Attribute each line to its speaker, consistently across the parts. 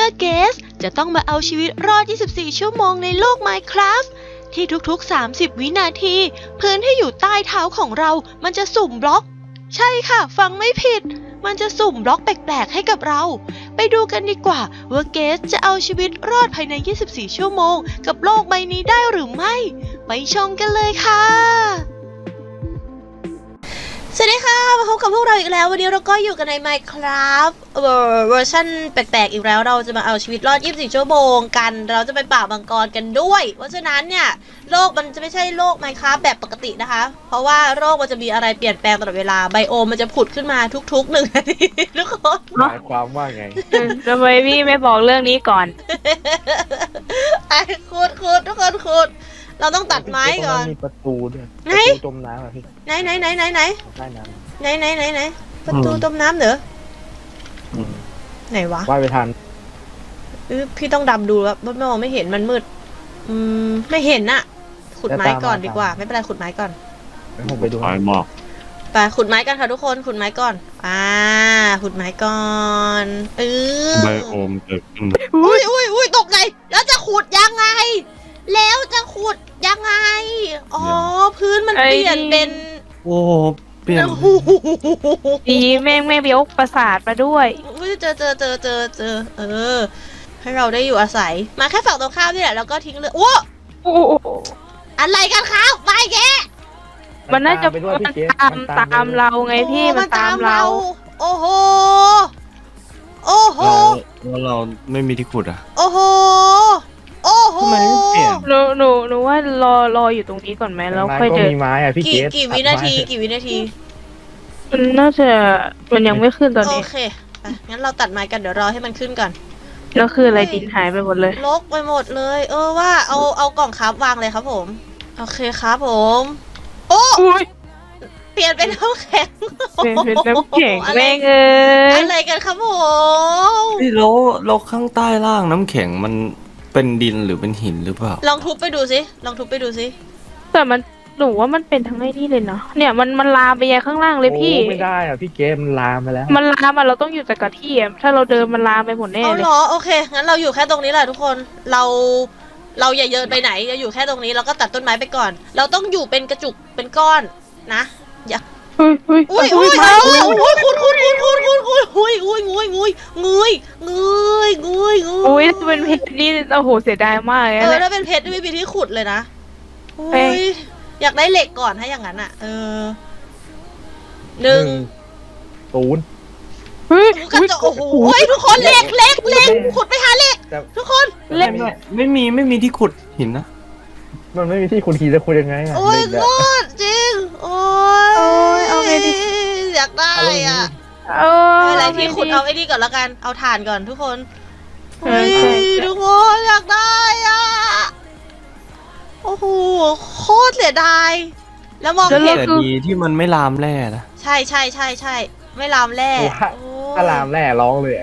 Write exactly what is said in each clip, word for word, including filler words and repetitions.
Speaker 1: เกสจะต้องมาเอาชีวิตรอด ยี่สิบสี่ ชั่วโมงในโลก Minecraft ที่ทุกๆ สามสิบ วินาทีพื้นที่อยู่ใต้เท้าของเรามันจะสุ่มบล็อกใช่ค่ะฟังไม่ผิดมันจะสุ่มบล็อกแปลกๆให้กับเราไปดูกันดีกว่าว่าเกสจะเอาชีวิตรอดภายใน ยี่สิบสี่ ชั่วโมงกับโลกใบนี้ได้หรือไม่ไปชมกันเลยค่ะสวัสดีค่ะมาพบกับพวกเราอีกแล้ววันนี้เราก็อยู่กันใน Minecraft เวอร์ชันแปลกๆอีกแล้วเราจะมาเอาชีวิตรอด ยี่สิบสี่ ชั่วโมงกันเราจะไปป่ามังกรกันด้วยเพราะฉะนั้นเนี่ยโลกมันจะไม่ใช่โลก Minecraft แบบปกตินะคะเพราะว่าโลกมันจะมีอะไรเปลี่ยนแปลงตลอดเวลาไบโอมมันจะผุดขึ้นมาทุกๆหนึ่งนาทีทุกคน
Speaker 2: หมายความว่าไง
Speaker 3: ทำไมพี่ไม่บอกเรื่องนี้ก่อน
Speaker 1: ไอ้ขุดขุดทุกคนขุดเราต้องตัดไม้ก่อน
Speaker 2: มีประตูด้วยประตูจมน้ำอ่ะพี่
Speaker 1: ไหนไหนไหนไหนไหน
Speaker 2: ใต้น้ำ
Speaker 1: ไหนไหนไหนไหนประตูจมน้ำเหรอไหนวะ
Speaker 2: ว่ายไปทัน
Speaker 1: พี่ต้องดำดูแล้วมองไม่เห็นมันมืดอืมไม่เห็นน่ะขุดไม้ก่อนดีกว่าไม่เป็นไรขุดไม้ก่อน
Speaker 2: ผมไปดู
Speaker 4: ไม้หมอก
Speaker 1: ไปขุดไม้กันค่ะทุกคนขุดไม้ก่อนอ่าขุดไม้ก่อนเออ
Speaker 4: ไบโอมเกิดขึ้น
Speaker 1: อุ้ยอุ้ยอุ้ยตกใจแล้วจะขุดยังไงแล้วจะขุดยังไงอ๋อพื้นมันเปลี่ยนเป็น
Speaker 4: โอ้เปลี่ยน
Speaker 3: ดีแม่งแม่ยกประสาทมาด้วย
Speaker 1: อุ้ยเจอเจอเจอเจอเจอเออให้เราได้อยู่อาศัยมาแค่ฝั่งตรงข้ามนี่แหละแล้วก็ทิ้งเลยโอ้
Speaker 3: โอ้
Speaker 1: อะไรกันครับไปแก
Speaker 3: มันน่าจะมันตามตามเราไงพี่มันตามเรา
Speaker 1: โอ้โหโอ้โห
Speaker 4: แล้วเราไม่มีที่ขุดอ่ะ
Speaker 1: โอ้โหโอ้โห
Speaker 4: ทำไมไม่เปลี่ยน
Speaker 3: หนูหนูหนูว่ารอรออยู่ตรงนี้ก่อนไหมแล้วค่อยเดิน
Speaker 2: มีไม้อะพี่เกส
Speaker 1: กี่วินาทีกี่วินาที
Speaker 3: มันน่าจะมันยังไม่ขึ้นตอนนี้
Speaker 1: โอเคงั้นเราตัดไม้กันเดี๋ยวรอให้มันขึ้นก่อน
Speaker 3: แล้วคืออะไรดินหายไปหมดเลย
Speaker 1: รกไปหมดเลยเออว่าเอาเอากล่องครับวางเลยครับผมโอเคครับผมโอ้เปลี่ยนเป็นน้ำแข็ง
Speaker 3: เปลี่ยนเป็นน้ำแข็งแม่งเอ้ย
Speaker 1: อะไรกันครับผม
Speaker 4: พี่แล้วเราข้างใต้ล่างน้ำแข็งมันเป็นดินหรือเป็นหินหรือเปล่า
Speaker 1: ลองทุบไปดูสิลองทุบไปดูสิ
Speaker 3: แต่มันหนูว่ามันเป็นทั้งไอ้นี่เลยเนาะเนี่ยมันมันลามไปยังข้างล่างเลยพี่
Speaker 2: ไม่ได้อ่ะพี่เกมมันลามไปแล้ว
Speaker 3: มันลามอ่ะเราต้องอยู่แต่กับที่ถ้าเราเดินมันลามไปหมดแน่เลย
Speaker 1: เอาเหรอโอเคงั้นเราอยู่แค่ตรงนี้แหละทุกคนเราเราอย่าเยินไปไหนเราอยู่แค่ตรงนี้เราก็ตัดต้นไม้ไปก่อนเราต้องอยู่เป็นกระจุกเป็นก้อนนะอย่า
Speaker 3: อุ้ยอุ้ย
Speaker 1: อุ้ยอุ้ยอุ้ยคุณคุณคุณคุณคุณคุณอุ้ยอุ้ยงุยงุยงุยงุยงุยงุย
Speaker 3: อุ้ยเป็นเพชรนี่โอ้โหเสียดายมากเลย
Speaker 1: เออถ้าเป็นเพชรไม่มีที่ขุดเลยนะอุ้ยอยากได้เหล็กก่อนถ้าอย่างนั้นอ่ะเออหนึ่ง
Speaker 2: ศูนย์
Speaker 1: เฮ้ยกระจกโอ้โหทุกคนเหล็กเหล็กเหล็กขุดไปหาเหล็กทุกคน
Speaker 4: เหล็กไม่มีไม่มีที่ขุดหินนะ
Speaker 2: มันไม่มีที่ขุดหินจะขุดยังไงอ่ะ
Speaker 1: โอ้ยโคตรจริงโอ้ยเอาไปดิอยากได้อ่ะ
Speaker 3: เออ
Speaker 1: อะไรที่ขุดเอาไอ้นี่ก่อนละกันเอาถ่านก่อนทุกคนเฮ้ยทุกคนอยากได้อ่ะโอ้โหโคตรเสียดายแล้วมองเห็น
Speaker 4: ดีที่มันไม่ลามแร่นะ
Speaker 1: ใช่ใช่ใช่ใช่ไม่ลามแร่
Speaker 2: ถ้าลามแร่ร้องเลย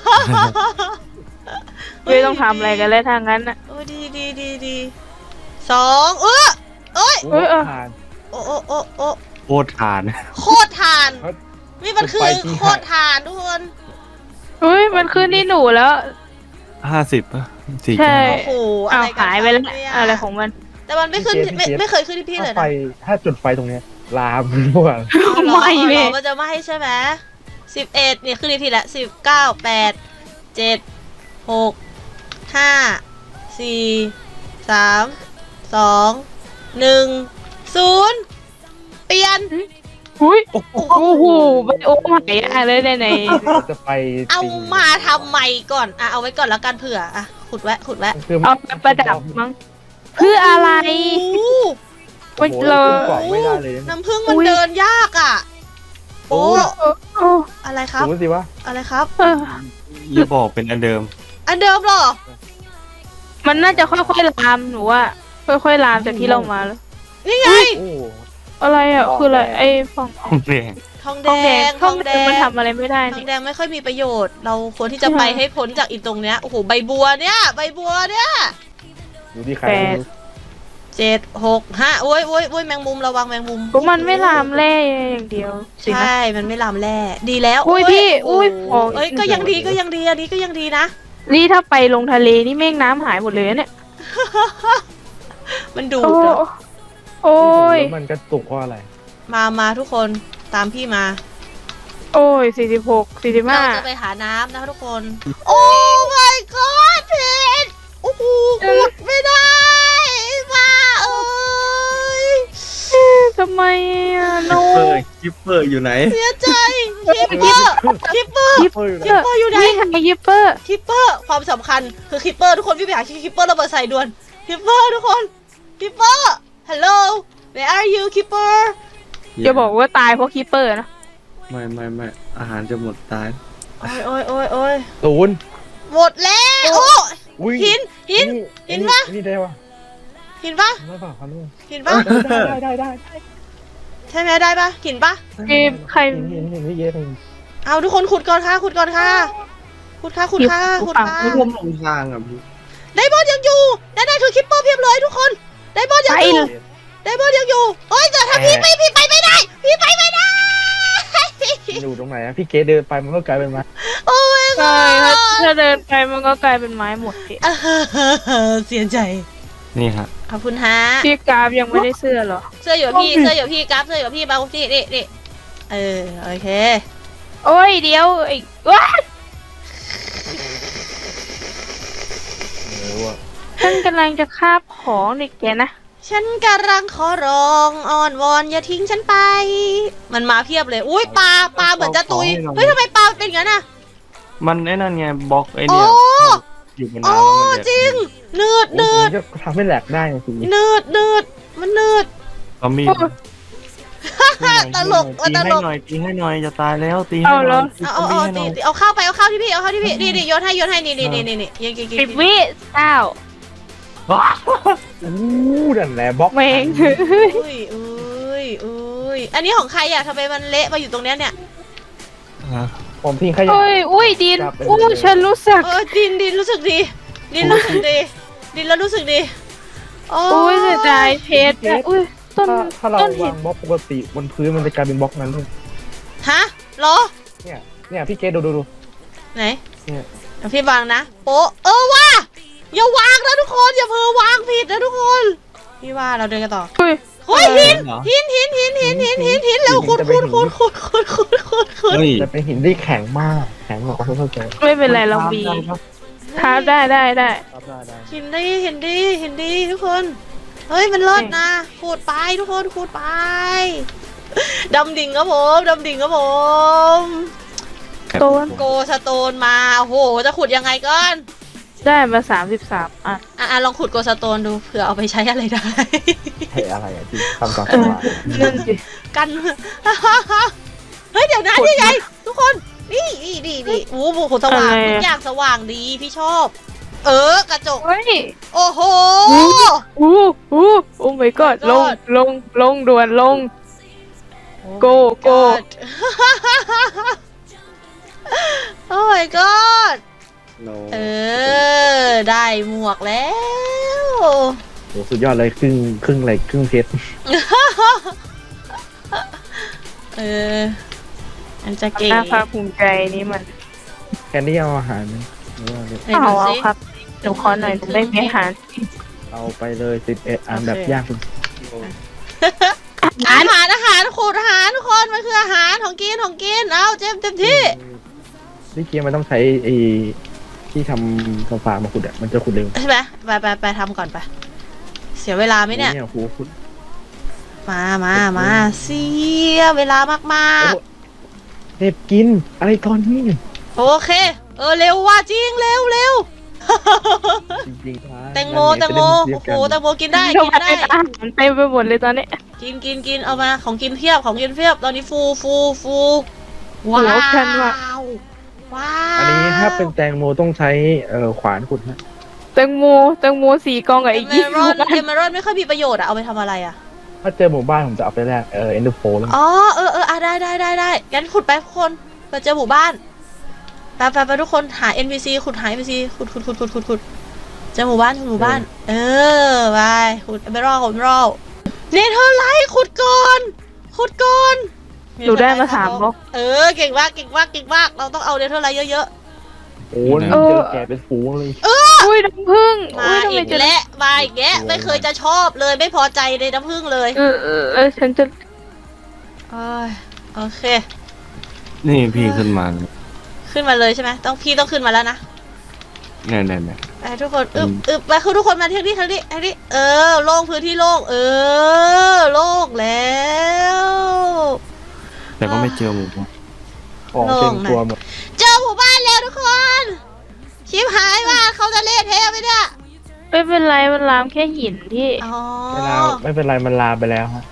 Speaker 3: ไม่ต้องทำอะไรกันเลยทางนั้นอ่ะ
Speaker 1: โอ้ดีดีดีดีสองเออเอ้ย
Speaker 3: เออ
Speaker 1: โอ้โอ้โอ้โอ้
Speaker 4: โคตรทาน
Speaker 1: โคตรทานนี่มันคือโคตรทานทุกคน
Speaker 3: เฮ้ยมันขึ้นที่หนูแล้ว
Speaker 4: ห้าสิบป่ะสี่
Speaker 3: ใช่
Speaker 1: โอ้โห
Speaker 3: อะไรหายไปแล้วอะไรของมัน
Speaker 1: แต่มันไม่ขึ้นไม่ไม่เคยขึ้นที่พี่เลยนะ
Speaker 2: ไฟถ้าจุดไฟตรงเนี้ยลามรั่ว
Speaker 1: ไม่เลยมันจะไม่ให้ใช่ไหมสิบเอ็ดเนี่ยขึ้นที่ละสิบเก้าแปดเจ็ดหกห้าสี่สามสองหนึ่งศูนย์เปลี่ยน
Speaker 3: อุ้ยโอ้โหไปโอ้หายอะไรได้ไหน
Speaker 2: จะไป
Speaker 1: เอามาทำใหม่ก่อนอ่ะเอาไว้ก่อนแล้วกันเผื่ออ่ะขุดแวะขุดแวะ
Speaker 3: เอาประดับมั้งเพื่ออะไร
Speaker 2: มันเลยไม่ได้เลย
Speaker 1: น้ำผึ้งมันเดินยากอ่ะโอ้อะไรครับ
Speaker 2: ดูสิวะ
Speaker 1: อะไรครับ
Speaker 4: อย่าบอกเป็นอันเดิม
Speaker 1: อันเดิมหรอ
Speaker 3: มันน่าจะค่อยๆลามหนูว่าค่อยๆลามจากที่เรามาแล้ว
Speaker 1: นี่ไง
Speaker 3: อะไรอ่ะคืออะไรไอ้ฟอง
Speaker 4: ทองแดง
Speaker 1: ทองแดง
Speaker 3: ทองแดงมันทำอะไรไม่ได้
Speaker 1: ทองแดงไม่ค่อยมีประโยชน์เราควรที่จะไปให้พ้นจากอีตรงเนี้ยโอ้โหใบบัวเนี้ยใบบัวเนี้ย
Speaker 2: ดูที่ใคร
Speaker 1: เจ็ดหกห้าโอ้ยโอ้ยโอ้ยแมงมุมระวังแมงมุม
Speaker 3: มันไม่ลามแร่อย่างเดียว
Speaker 1: ใช่มันไม่ลามแร่ดีแล้ว
Speaker 3: อุ้ยพี่อุ้ย
Speaker 1: เอ้ยก็ยังดีก็ยังดีอันนี้ก็ยังดีนะ
Speaker 3: นี่ถ้าไปลงทะเลนี่เมฆน้ำหายหมดเลยนะเนี่ย
Speaker 1: มันดูด
Speaker 3: โอ้
Speaker 1: เหรอ
Speaker 3: โอ้ย
Speaker 2: แล้วมันกระตุกเพราะอะไร
Speaker 1: มามาทุกคนตามพี่มา
Speaker 3: โอ้ยสี่สิบหกสี่สิบ
Speaker 1: เรา
Speaker 3: ห้า
Speaker 1: จะไปหาน้ำนะคะทุกคน โอ้ my god ผิดโอ้โหขุดไม่ได้มาเอ้ย
Speaker 3: ทำไมอ่ะโน
Speaker 4: เปอร์คิปเปอร์อยู่ไหน
Speaker 1: เสียใจคิปเปอร์คิปเปอร์
Speaker 3: ยิป
Speaker 2: เฮ้ย
Speaker 1: คิปเปอร์อยู่ไหน
Speaker 3: นี่ไงยิปเปอร์
Speaker 1: คิปเปอร์ความสำคัญคือคิปเปอร์ทุกคนพี่ไปหาคิปเปอร์ระเบิดใส่ด่วนคิปเปอร์ทุกคนคิปเปอร์ hello where are you คิปเปอร์
Speaker 3: จะบอกว่าตายเพราะคีเปอร์นะ
Speaker 4: ไม่ไม่ไม่อาหารจะหมดตาย
Speaker 1: โอ้ยโอ้ยโอ้ยโอ้ย
Speaker 2: ศูนย์
Speaker 1: หมดแล้วโอ้
Speaker 2: อุ้ย
Speaker 1: หินหิน
Speaker 2: ไอ้
Speaker 1: หินปะ
Speaker 2: ไอ้นี่ได้ปะ
Speaker 1: หินปะ
Speaker 2: ได้ปะครับลูก
Speaker 1: หินปะ
Speaker 2: ได้ได้ได้ได้
Speaker 1: ใช่ไหมได้ปะหินปะ
Speaker 3: เกมใคร
Speaker 2: เห็นเห็นเห็นไม่เยอะเลย
Speaker 1: เอาทุกคนขุดก่อนค่ะขุดก่อนค่ะขุดค่ะขุดค่ะขุดค่ะ
Speaker 4: ไม่ร่วมลงทางอ่ะพี่
Speaker 1: ไดมอนด์ยังอยู่นั่นนั่นคือคิปเปอร์เพียบเลยทุกคนไดมอนด์ยัง
Speaker 3: ไป
Speaker 1: อยู่ไดมอนด์ยังอยู่เฮ้ยแต่ถ้าพี่ไปพี่ไปไม่ได้ พี่ไปไม่ได้
Speaker 2: อยู่ตรงไหนอะพี่เกดเดินไปมันก็กลายเป็นไม้
Speaker 1: โอ้ย
Speaker 3: ใช่ถ้าถ้าเดินไปมันก็กลายเป็นไม้หมดสิ
Speaker 1: เสียใจ
Speaker 4: นี่ฮะ
Speaker 1: ขอบคุณฮะ
Speaker 3: พี่กราฟยังไม่ได้เสื้อเหรอ
Speaker 1: เสื้ออยู่กับพี่เสื้ออยู่กับพี่กราฟเสื้ออยู่กับพี่เบานี่นี่นี่เออโอเค
Speaker 3: โอ้ยเดี๋ยวไอ้ว้า
Speaker 2: เออว่ะ
Speaker 3: ฉันกำลังจะคาบของเด็กแกนะ
Speaker 1: ฉันกำลังขอร้องอ้อนวอนอย่าทิ้งฉันไป มันมาเพียบเลยอุ้ยปลาปลาเหมือนจะตุยเฮ้ยทำไมปลาเป็นอย่างนั้นอ่ะ
Speaker 4: มันไอ้นั่นไงบล็อกไอ้
Speaker 1: โอ้
Speaker 4: เนี่ยอยู่บน
Speaker 1: โอ้
Speaker 4: น้ำแล้วมันแดด
Speaker 1: จริงเนืด
Speaker 2: โอ้
Speaker 1: เนื
Speaker 2: โห
Speaker 1: ด
Speaker 2: จะทำให้แหลกได้จริง
Speaker 1: เนืดเนืดมันเนืด
Speaker 4: ซอมบี้
Speaker 1: ตลก
Speaker 4: ตี
Speaker 1: ต
Speaker 4: ให้
Speaker 1: ลก
Speaker 4: หน่อยตีให้หน่อยจะตายแล้วตีให้
Speaker 3: เอา
Speaker 4: ห
Speaker 3: เหร
Speaker 4: น่
Speaker 3: อ
Speaker 4: อยตี
Speaker 1: เอา
Speaker 4: ซอ
Speaker 1: เอา
Speaker 4: มบี้
Speaker 1: เอา
Speaker 4: ให้ห
Speaker 1: ตี
Speaker 4: น่อย
Speaker 1: ตีเอาข้าวไปเอาข้าวที่พี่เอาข้าวที่พี่นี่นี่โยนให้โยนให้นี่นี่นี่นี่นี่ยังกินกิน
Speaker 3: สิบวิเก้า
Speaker 4: ว้า
Speaker 2: ๆอู้นั่นแหละบล็อก
Speaker 3: เมง
Speaker 1: อุ้ยอุ้ยอุ้ยอันนี้ของใครอ่ะทำไมมันเละมาอยู่ตรงเนี้ยเนี่ย
Speaker 2: ผมทิ้งขยะ
Speaker 3: โอ้ยอุ้ยดินอู้ฉันรู้สึก
Speaker 1: เออดินดินรู้สึกดีดินรู้สึกดีดินแล้วรู้สึกดีโอ้
Speaker 3: อุ้ยเสียดายเพชรอะอุ้ยต้น
Speaker 2: ถ้าถ้าเรา
Speaker 3: ต้นหิ
Speaker 2: วาน งบล็อกปกติบนพื้นมันจะกลายเป็นบล็อกนั้นเลย
Speaker 1: ฮะเหรอ
Speaker 2: เนี่ยเนี่ยพี่เกดดูดูดู
Speaker 1: ไหน
Speaker 2: เนี่ย
Speaker 1: เดี๋ยวพี่วางนะโป๊ะเออว่าอย่าวางนะทุกคนอย่าเพิ่งวางผิดนะทุกคนพี่ว่าเราเดินกันต่อ
Speaker 3: อุ้ย
Speaker 1: เฮ้ยหินหินหินหินหินหินหินหินแล้วขุดขุดขุดขุดขุดขุดขุดขุด
Speaker 4: เฮ้ย
Speaker 2: จะเป็นหินที่แข็งมากแข็งกว่าเขาเข้าใจ
Speaker 3: ไม่เป็นไรเราบีท้าได้ได้ได้
Speaker 2: ครับได้ได้
Speaker 1: หินดีหินดีหินดีทุกคนเฮ้ยมันเลิศนะขุดไปทุกคนขุดไปดำดิ่งครับผมดำดิ่งครับผม
Speaker 3: ต้น
Speaker 1: โกสโตนมาโอ้โหจะขุดยังไงก่อน
Speaker 3: ได้มาสามสิบสามอ่ะ
Speaker 1: อ่ะอ่ะลองขุดโกสโตนดูเผื่อเอาไปใช้อะไรได้
Speaker 2: เฮ้ยอะไรอะที่ทำก่อน
Speaker 3: เออนั่นสิ
Speaker 1: กัน เฮ้ยเดี๋ยวนะนี่ไงทุกคนนี่นี่นี่นี่โอ้โหสว่างทุกอย่างสว่างดีพี่ชอบ เออกระจก
Speaker 3: เฮ้ย
Speaker 1: โอ้โห
Speaker 3: อู้อู้อู้โอ้ my god ลง
Speaker 1: God
Speaker 3: ลงลงด่วนลง โกโก้
Speaker 1: โอ้ my god
Speaker 4: โน
Speaker 1: เออ ได้หมวกแล้ว
Speaker 2: โอ้สุดยอดเลยครึ่งครึ่งเหล็กครึ่งเพชร
Speaker 1: เอออันจะเก๋
Speaker 3: น่าภาคภูมิใจนี่มัน
Speaker 2: แค่นี้เอาอาหารไหมหรือว่าเดี๋ยว
Speaker 1: ไหน
Speaker 3: เอา
Speaker 1: ดู
Speaker 3: เอา
Speaker 1: สิ
Speaker 3: ครับหนูขอหน่อยหนูไม่มีอาหาร
Speaker 2: เอาไปเลยสิบเอ็ดอันแบบยากสุด
Speaker 1: อาหารอาหารขูดอาหารทุกคนมันคืออาหารของกินของกินเอาเจมเต็มที่
Speaker 2: นี่เกียร์มันต้องใช้ไอ้ที่ทำฟ้ามาขุดอะมันจะขุดเร็ว
Speaker 1: ใช่ไหมไปไปไปทำก่อนไป เสียเวลาไหมเนี่ย
Speaker 2: เนี่ยโหขุด
Speaker 1: มามามาเสียเวลามาก
Speaker 2: โอ้เด็บกินอะไรตอนนี้
Speaker 1: ๆ โอเค เออเร็วว่าจริงเร็วเร็ว
Speaker 2: จริงๆ
Speaker 1: แตงโมแตงโมโอ้โหแตงโมกินได้
Speaker 3: ทำ
Speaker 1: กิน
Speaker 3: ไม
Speaker 1: ได้
Speaker 3: อาหารเต็มไปหมดเลยตอนนี้
Speaker 1: กินกินกินเอามาของกินเพียบของกินเพียบตอนนี้ฟูฟูฟูว้า
Speaker 3: โอ้โหแพนว่ะ
Speaker 1: วว้าว
Speaker 2: อันนี้ถ้าเป็นแตงโมต้องใช้เอ่อขวานขุดฮะ
Speaker 3: แตงโมแตงโมสี่กองกับ
Speaker 1: เอ
Speaker 3: อีก
Speaker 1: เม
Speaker 3: ยี่
Speaker 1: อ
Speaker 3: สิบ
Speaker 1: รัลเอเมอรัลไม่ค่อยมีประโยชน์อะเอาไปทำอะไรอะ
Speaker 2: ถ้าเจอหมู่บ้านผมจะเอาไปแลกเอ่อเอ็นเดอร์โฟแล้ว
Speaker 1: อ๋อเออเอออ่ะได้ได้ได้ได้งั้นขุดไปทุกคนไปเจอหมู่บ้านไปไปไปทุกคนหา เอ็น พี ซี ขุดหา เอ็น พี ซี ขุดขุดขุดขุดขุดขุดเจอหมู่บ้านเจอหมู่บ้าน เออไปขุดเอเมอรัลขุดเอเมอรัลเนเธอร์ไลท์ขุดก่อนขุดก่อน
Speaker 3: หนูได้มาสามบล็อก
Speaker 1: เออเก่งมากเก่งมากเก่งมากเราต้องเอาเนเธอร์ไลท์เยอะๆ
Speaker 2: โอ้ย
Speaker 4: เออ
Speaker 2: เจอแกเป็นฝูงเลย
Speaker 3: อุ้ยน้ำผึ้ง
Speaker 1: มา
Speaker 3: อุ้ยทำไม
Speaker 1: อีก
Speaker 3: จะ
Speaker 1: แล้วมาอีกแล้วไม่เคยจะชอบเลยไม่พอใจในน้ำผึ้งเลย
Speaker 3: เออเออเออฉันจะ
Speaker 1: โอ้ยโอเค
Speaker 4: นี่พี่ขึ้นมา
Speaker 1: ขึ้นมาเลยใช่ไหมต้องพี่ต้องขึ้นมาแล้วนะ
Speaker 4: เนี่ยเนี่ยเนี่ย
Speaker 1: ไปทุกคนอึบ
Speaker 4: อืม
Speaker 1: อึบไปคือทุกคนมาทางนี้ทางนี้ทางนี้เออโล่งพื้นที่โล่งเออโล่งแล้ว
Speaker 4: แต่ก็ไม่เจอหมู
Speaker 2: ของเต็มตัวหมด
Speaker 1: เจอหมู่บ้านแล้วทุกคนชิบหายว่าเขาจะเละเทะไหมเนี่ย
Speaker 3: ไม่เป็นไรมันลามแค่หินพี่
Speaker 1: อ๋อ
Speaker 2: เวลาไม่เป็นไรมันลามไปแล้วฮะ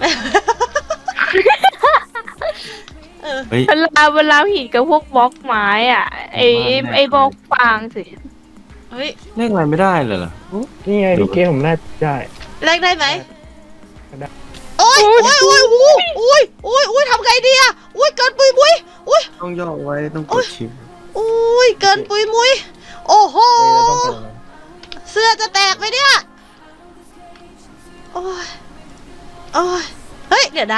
Speaker 1: เออ
Speaker 4: เฮ้ย
Speaker 3: มันลามมันลามหินกับพวกบล็อกไม้อ่ะไอไอ้ไอ้บล็อกฟางสิ
Speaker 1: เฮ้ย
Speaker 4: เล่นอะไรไม่ได้เลยเหรอ
Speaker 2: นี่ไงพี่เกมผมน่าได้
Speaker 1: แลกได้ไหม
Speaker 2: ได้
Speaker 1: โอ้ยโอ้ยโอ้ยโอ้ยโอ้ยโอ้ยโอ้ยทำไงดีอะโอ้ยเกินปุยมุยโอ้ย
Speaker 4: ต้องย่อไว้ต้องกดชิป
Speaker 1: โอ้ยเกินปุยมุยโอ้โห
Speaker 2: เฮ้ยเราต้องไปยังไง
Speaker 1: เสื้อจะแตกไหมเนี่ยโอ้ยโอ้ยเฮ้ยเดี๋ยวนะ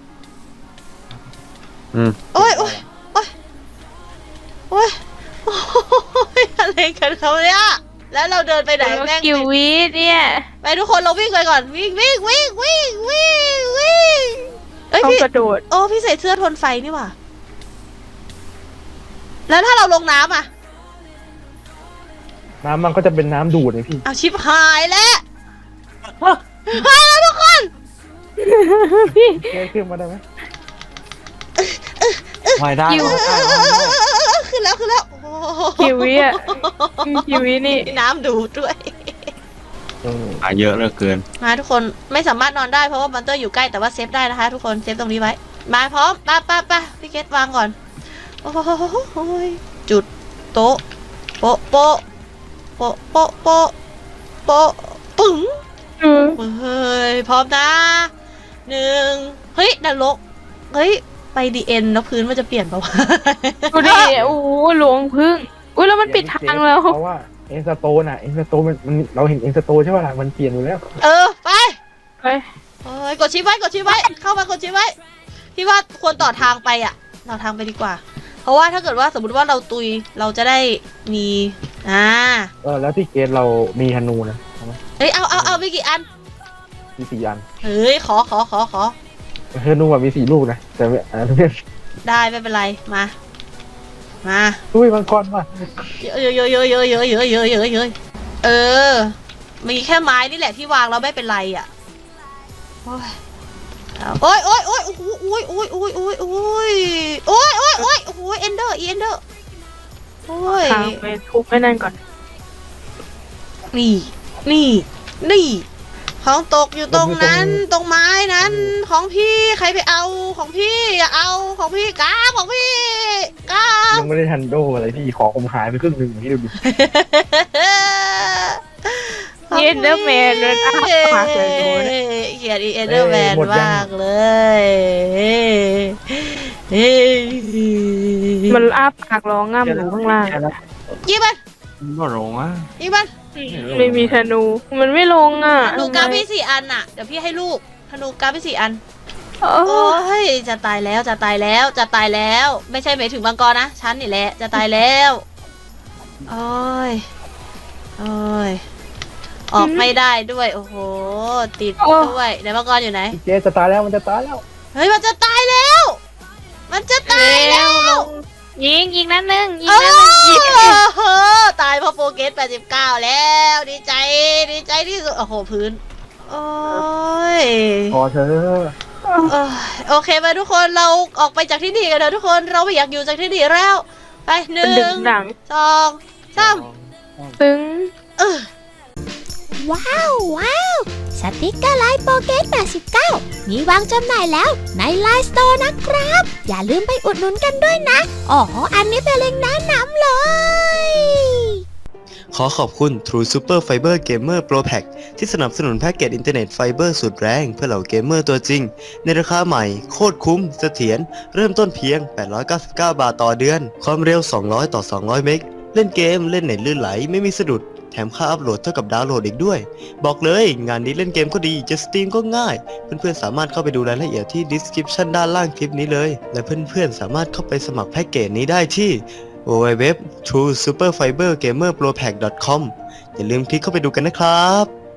Speaker 4: อืม
Speaker 1: โอ้ยโอ้ยโอ้ยโอ้ยโอ้ยอะไรกันเขาเนี่ยแล้วเราเดินไปไหนแม่ง
Speaker 3: กิววีเนี่ย
Speaker 1: ไปทุกคนเราวิ่งไปก่อนวิ่งวิ่งวิ่งวิ่งวิ่งวิ่งเอ้ย
Speaker 3: ต้อง
Speaker 1: พี่
Speaker 3: กระโดด
Speaker 1: โอ้พี่ใส่เสื้อทนไฟนี่หว่าแล้วถ้าเราลงน้ำอ่ะ
Speaker 2: น้ำมันก็จะเป็นน้ำดูดเลยพี่
Speaker 1: เอาชิบหายแล้วหายแล้วทุกคน
Speaker 3: พี่
Speaker 2: เกมขึ้นมาได้ไหม
Speaker 4: วายได้
Speaker 3: อยู่
Speaker 4: วายได้วายได้
Speaker 1: ขึ้นแล้วขึ้นแล้วโอ้โห
Speaker 3: กิววีอ่ะกิววีนี่
Speaker 1: มีน้ำดูดด้วย
Speaker 2: เออ
Speaker 4: อ่ะเยอะเหลือเกิน
Speaker 1: มาทุกคนไม่สามารถนอนได้เพราะว่าบันเตอร์อยู่ใกล้แต่ว่าเซฟได้นะคะ ทุกคนเซฟตรงนี้ไว้มาพร้อมป้าป้าป้าพี่เกตวางก่อนโอ้โหจุดโต๊ะโป๊ะโป๊ะโป๊ะโป๊ะโป๊ะโป๊ะปึ๋ง
Speaker 3: อืม
Speaker 1: เฮ้ยพร้อมนะหนึ่งเฮ้ยนรกเฮ้ยไปดีเอ็นแล้วพื้นมันจะเปลี่ยนเปล่าวะ
Speaker 3: ดูดิโอ้โหหลวงพึ่งอุ้ยแล้วมันปิดทางแล้ว
Speaker 2: เพราะว่าเอ็นสโตนอ่ะเอ็นสโตนมันมันเราเห็นเอ็นสโตนใช่ป่ะล่ะมันเปลี่ยนอยู่แล้ว
Speaker 1: เออไป
Speaker 3: ไป
Speaker 1: เฮ้ยกดชิปไว้กดชิปไว้เข้ามากดชิปไว้พี่ว่าควรต่อทางไปอ่ะต่อทางไปดีกว่า เพราะว่าถ้าเกิดว่าสมมติว่าเราตุยเราจะได้มีอ่า
Speaker 2: เออแล้วที่เกมเรามีธนูนะเอาไหม
Speaker 1: เฮ้ยเอาเอาเอาไปกี่อัน
Speaker 2: มีสี่อัน
Speaker 1: เฮ้ยขอขอขอขอ
Speaker 2: ธนูอะมีสี่ลูกนะแต่ไม่อันนั้นไม่
Speaker 1: ได้ไม่เป็นไรมามา
Speaker 2: ดุ้ยมังกรมา
Speaker 1: เยอะเยอะเยอะเยอะเยอะเยอะเยอะเยอะเยอะเยอะเออมีแค่ไม้นี่แหละที่วางแล้วไม่เป็นไรอ่ะโอ้ยเอาโอ้ยโอ้ยโอ้ยโอ้โหโอ้ยโอ้ยโอ้ยโอ้ยโอ้ยโอ้ยโอ้ยโอ้ยโอ้โหเอนเดอร์เอนเดอร์โอ้ย
Speaker 3: ทางไปทุบไอ้นั่นก่อน
Speaker 1: นี่นี่นี่ของตกอยู่ตรงนั้นตรงไม้นั้นของพี่ใครไปเอาของพี่อย่าเอาของพี่กาของพี่กา
Speaker 2: ยังไม่ได้ทันโดอะไรพี่ของผมหายไปครึ่งหนึ่งอย่างนี้ดูดิ
Speaker 3: เอ็นเดอร์แมนเลยอ้าปากเลยดูนะ
Speaker 1: เขียนอีเอนเดอร์แมนมากเลยเฮ้ย
Speaker 3: มันอ้าปากร้องง่ำอยู่ข้างล่าง
Speaker 1: ยิงมัน
Speaker 4: มันก็ลงอ่ะ
Speaker 1: ยิงมัน
Speaker 3: ไม่มีธนู มันไม่ลงอ่ะ
Speaker 1: ธนูกาพี่สี่อันน่ะเดี๋ยวพี่ให้ลูกธนูกาพี่สี่อัน
Speaker 3: โอ้
Speaker 1: โอ้ยจะตายแล้วจะตายแล้วจะตายแล้ว ไม่ใช่หมายถึงบางกรนะฉันนี่แหละจะตายแล้วโอ้ยโอ้ยออกไม่ได้ด้วยโอ้โหติดด้วยไหนบางกรอยู่ไหน
Speaker 2: พี่เกมจะตายแล้วมันจะตายแล้ว
Speaker 1: เฮ้ยมันจะตายแล้ว มันจะตายแล้ว
Speaker 3: ยิงยิงนัดหนึ่งยิง
Speaker 1: เอ
Speaker 3: นัดหนึ่งยิง
Speaker 1: อตายเพราะโปรเกสแปดสิบเก้าแล้ว ดีใจดีใจที่สุดโอ้โหพื้นโอ้ย
Speaker 2: พอเธอ
Speaker 1: เอ้ยโอเคไปทุกคนเราออกไปจากที่นี่กันเถอะทุกคนเราไม่อยากอยู่จากที่นี่แล้วไปห
Speaker 3: มัน
Speaker 1: นึ่
Speaker 3: ดึ
Speaker 1: ง
Speaker 3: งดัง
Speaker 1: สองสาม
Speaker 3: ตึง
Speaker 1: เออ
Speaker 5: ว้าว ว้าว สติกเกอร์ไลน์โปเกตแปดสิบเก้ามีวางจำหน่ายแล้วในไลน์สโตร์นะครับ อย่าลืมไปอุดหนุนกันด้วยนะ อ๋อ อันนี้เป็นเล็งก์แนะนำเลย
Speaker 6: ขอขอบคุณ True Super Fiber Gamer Pro Pack ที่สนับสนุนแพ็กเกจอินเทอร์เน็ตไฟเบอร์สุดแรงเพื่อเหล่าเกมเมอร์ตัวจริง ในราคาใหม่โคตรคุ้มเสถียรเริ่มต้นเพียง แปดร้อยเก้าสิบเก้า บาทต่อเดือน ความเร็ว สองร้อย ต่อ สองร้อย เมก เล่นเกมเล่นเน็ตลื่นไหลไม่มีสะดุด แถมค่าอัพโหลดเท่ากับดาวน์โหลดอีกด้วย บอกเลยงานนี้เล่นเกมก็ดีจะสตรีมก็ง่าย เพื่อนๆสามารถเข้าไปดูรายละเอียดที่ description ด้านล่างคลิปนี้เลย และเพื่อนๆสามารถเข้าไปสมัครแพ็กเกจนี้ได้ที่ดับเบิลยู ดับเบิลยู ดับเบิลยู ดอท ทรู ซูเปอร์ ไฟเบอร์ เกมเมอร์ โปร แพ็ก ดอท คอม อย่าลืมคลิกเข้าไปดูกันนะครับ